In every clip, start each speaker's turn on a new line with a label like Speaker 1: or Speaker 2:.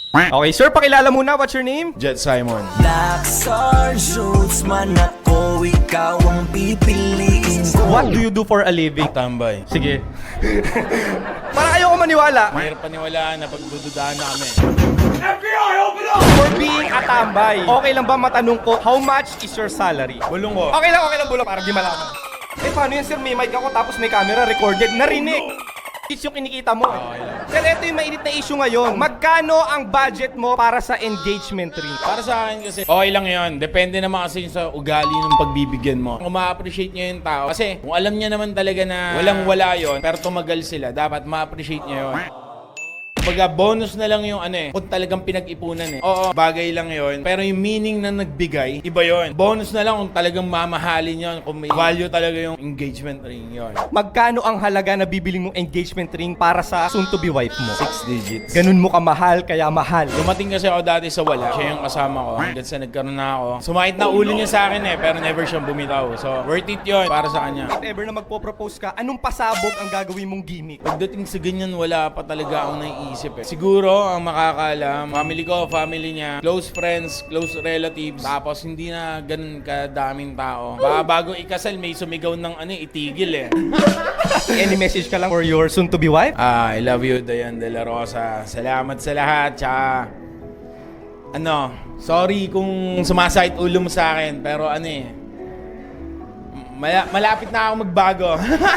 Speaker 1: Okay, sir, pakilala muna. What's your name?
Speaker 2: Jet Simon.
Speaker 3: Laksar shoots man ako, ikaw ang pipiliin ko.
Speaker 1: What do you do for a living?
Speaker 2: Tambay.
Speaker 1: Sige. Para ayoko maniwala.
Speaker 2: Mahirap paniwalaan na pagdududaan na kami.
Speaker 1: For being a tambay, okay lang ba matanong ko, how much is your salary?
Speaker 2: Bulong ko.
Speaker 1: Okay lang, bulong. Para di malaman. Eh, paano yan, sir? May mic ako, tapos may camera, recorded, narinig. It's yung kinikita mo. Sir, ito yung mainit na issue ngayon. Magkano ang budget mo para sa engagement ring?
Speaker 2: Para sa akin kasi, okay lang yun. Depende naman kasi sa ugali ng pagbibigyan mo. Kung ma-appreciate niya yung tao. Kasi kung alam niya naman talaga na walang-wala yun, pero tumagal sila, dapat ma-appreciate niya yun. Kumbaga, bonus na lang yung kung talagang pinag-ipunan Oo, bagay lang yon. Pero yung meaning na nagbigay, iba yon. Bonus na lang kung talagang mamahalin yon, kung may value talaga yung engagement ring yon.
Speaker 1: Magkano ang halaga na bibiling mong engagement ring para sa soon-to-be wife mo?
Speaker 2: 6 digits.
Speaker 1: Ganun mo kamahal, kaya mahal.
Speaker 2: Dumating kasi ako dati sa wala. Siya yung kasama ko. Hanggang sa nagkaroon na ako. Sumakit na ulo niya sa akin pero never siyang bumitaw. So, worth it yon para sa kanya.
Speaker 1: If ever na magpo-propose ka, anong pasabog ang gagawin mong gimmick?
Speaker 2: Pagdating sa ganyan, wala pa talaga akong naiisip Siguro, ang makakaalam, family ko, family niya, close friends, close relatives, tapos hindi na ganun kadaming tao. Baka bago ikasal, may sumigaw ng itigil
Speaker 1: Any message ka lang for your soon-to-be wife?
Speaker 2: I love you, Dayan De La Rosa. Salamat sa lahat, tsaka sorry kung sumasakit ulo mo sa akin, pero malapit na ako magbago.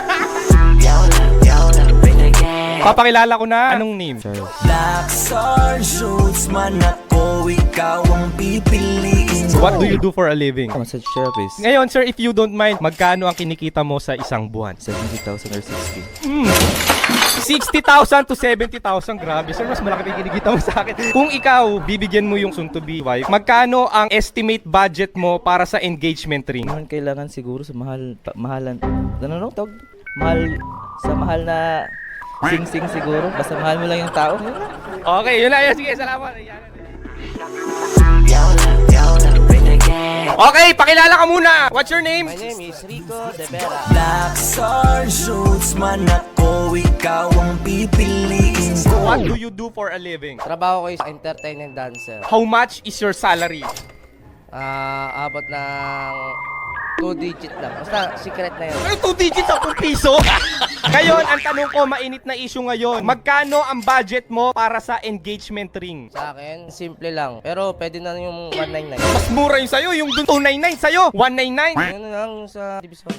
Speaker 1: Papakilala ko na. Anong name?
Speaker 3: Laksar shoots man ako, ikaw ang pipiliin ko.
Speaker 1: What do you do for a living?
Speaker 4: Massage therapist.
Speaker 1: Ngayon, sir, if you don't mind, magkano ang kinikita mo sa isang buwan?
Speaker 4: 70,000 or 60.
Speaker 1: 60,000 to 70,000. Grabe, sir. Mas malaki pa yung kinikita mo sa akin. Kung ikaw, bibigyan mo yung soon-to-be wife, magkano ang estimate budget mo para sa engagement ring?
Speaker 4: Naman kailangan siguro sa mahalan. Tawag? Mahal na sing-sing siguro. Basta mahal mo lang yung tao.
Speaker 1: Okay, yun na. Sige, salamat. Okay, pakilala ka muna. What's your name?
Speaker 4: My name is Rico De Vera.
Speaker 3: Laksar shoots man ako, ikaw ang pipiliin ko.
Speaker 1: What do you do for a living?
Speaker 4: Trabaho ko is entertainment dancer.
Speaker 1: How much is your salary?
Speaker 4: Abot ng 2 digit lang. Basta secret na yun.
Speaker 1: Ay, 2 digits, 10 piso? Ngayon, ang tanong ko, mainit na issue ngayon. Magkano ang budget mo para sa engagement ring?
Speaker 4: Sa akin, simple lang. Pero pwede na yung 199.
Speaker 1: Mas mura yung sa'yo, yung dun 299 sa'yo, 199.
Speaker 4: Ano lang yung sa division.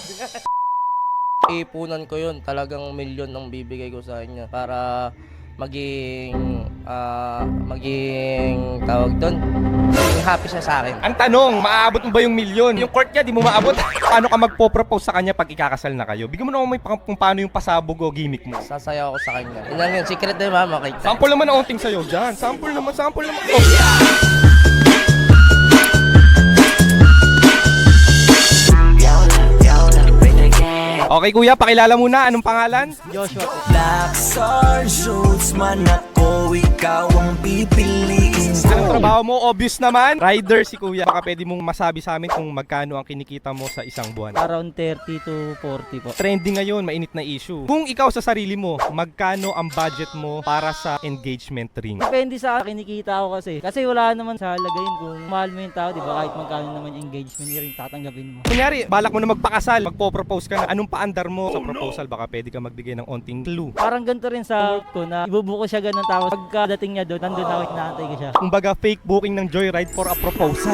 Speaker 4: Ipunan ko yun. Talagang milyon ang bibigay ko sa kanya para maging tawag doon, maging happy siya sa akin.
Speaker 1: Ang tanong, maaabot mo ba yung milyon? Yung court niya, di mo maabot. Paano ka magpo-propose sa kanya pag ikakasal na kayo? Bigyan mo naman kung paano yung pasabog o gimmick mo.
Speaker 4: Sasayaw ako sa kanya. Yun lang yun, secret na yun, mama.
Speaker 1: Sample naman ang onting sa'yo dyan. Sample naman. Oh. Okay kuya, pakilala muna. Anong pangalan?
Speaker 4: Joshua po.
Speaker 3: Laksar shoots man ako, ikaw ang pipiliin ko.
Speaker 1: Anong trabaho mo? Obvious naman. Rider si kuya. Baka pwede mong masabi sa amin kung magkano ang kinikita mo sa isang buwan.
Speaker 5: Around 30 to 40 po.
Speaker 1: Trending ngayon, mainit na issue. Kung ikaw sa sarili mo, magkano ang budget mo para sa engagement ring?
Speaker 5: Depende sa kinikita ko kasi. Kasi wala naman sa halagayin kung mahal mo yung tao, di ba? Kahit magkano naman yung engagement ring tatanggapin mo.
Speaker 1: Kunyari, balak mo na magpakasal, magpo-propose ka na. Anong paandar mo sa proposal? Baka pwede ka magbigay ng onting clue.
Speaker 5: Parang ganito rin sa work ko na ibubuko siya ganun tapos pagkadating niya doon, nandun ako, inaantay ko siya.
Speaker 1: Kumbaga, fake booking ng Joyride for a proposal.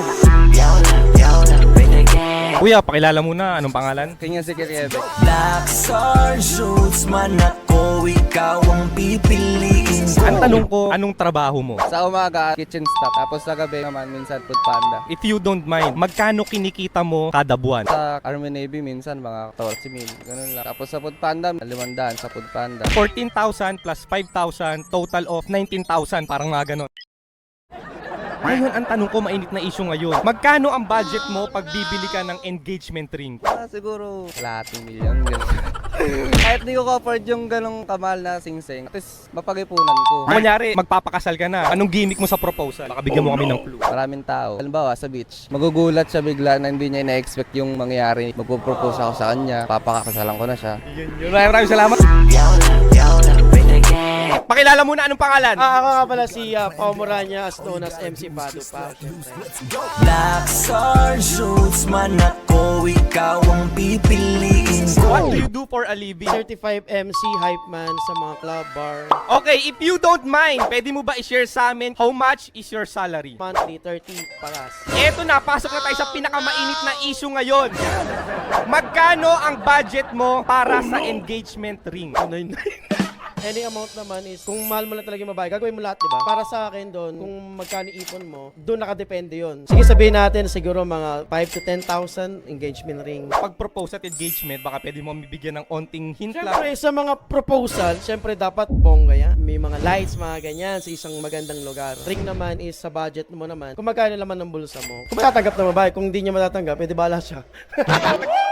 Speaker 1: Kuya, pakilala muna. Anong pangalan?
Speaker 4: Kanya si Kiriebe.
Speaker 3: Laksar shoots man ako, ikaw ang pipiliin ko.
Speaker 1: Ang tanong ko, anong trabaho mo?
Speaker 4: Sa umaga, kitchen staff. Tapos sa gabi naman, minsan food panda.
Speaker 1: If you don't mind, magkano kinikita mo kada buwan?
Speaker 4: Sa Army Navy, minsan mga 14,000. Ganun lang. Tapos sa food panda, 500 sa food panda.
Speaker 1: 14,000 plus 5,000, total of 19,000, parang mga ganon. Ngayon, ang tanong ko, mainit na issue ngayon. Magkano ang budget mo pag bibili ka ng engagement ring?
Speaker 4: Siguro, lahat ng milyon. Kahit di ko afford yung ganong kamahal na sing-sing, at least mapag-ipunan ko.
Speaker 1: Kunyari, magpapakasal ka na. Anong gimmick mo sa proposal? Baka bigyan mo kami ng clue.
Speaker 4: Maraming tao. Halimbawa, sa beach, magugulat siya bigla na hindi niya ina-expect yung mangyayari. Magpo-propose ako sa kanya, papakakasalan ko na siya.
Speaker 1: Yun. Maraming salamat. Pakilala muna, anong pangalan?
Speaker 6: Ako nga pala si Pao Moranya, as known as MC Pado pa.
Speaker 3: Black Star Shoots man ako, ikaw ang pipiliin
Speaker 1: What
Speaker 3: ko.
Speaker 1: do you do for a living?
Speaker 6: Certified MC hype man sa mga club bar.
Speaker 1: Okay, if you don't mind, pwede mo ba i-share sa amin how much is your salary?
Speaker 6: Monthly, 30 paras.
Speaker 1: Eto na, pasok na tayo sa pinakamainit na issue ngayon. Magkano ang budget mo para sa engagement ring?
Speaker 6: Any amount naman is, kung mahal mo lang talaga yung babae, gagawin mo lahat, di ba? Para sa akin doon, kung magkano ipon mo, doon nakadepende yun. Sige, sabihin natin, siguro mga 5 to 10,000 engagement ring.
Speaker 1: Pag-propose at engagement, baka pwede mo mabibigyan ng onting hint lang.
Speaker 6: Siyempre, sa mga proposal, siyempre dapat bongga yan. May mga lights, mga ganyan, sa isang magandang lugar. Ring naman is sa budget mo naman. Kung magkano naman ng bulsa mo. Kung matatanggap na babae, kung hindi niya matatanggap, pwede bala siya.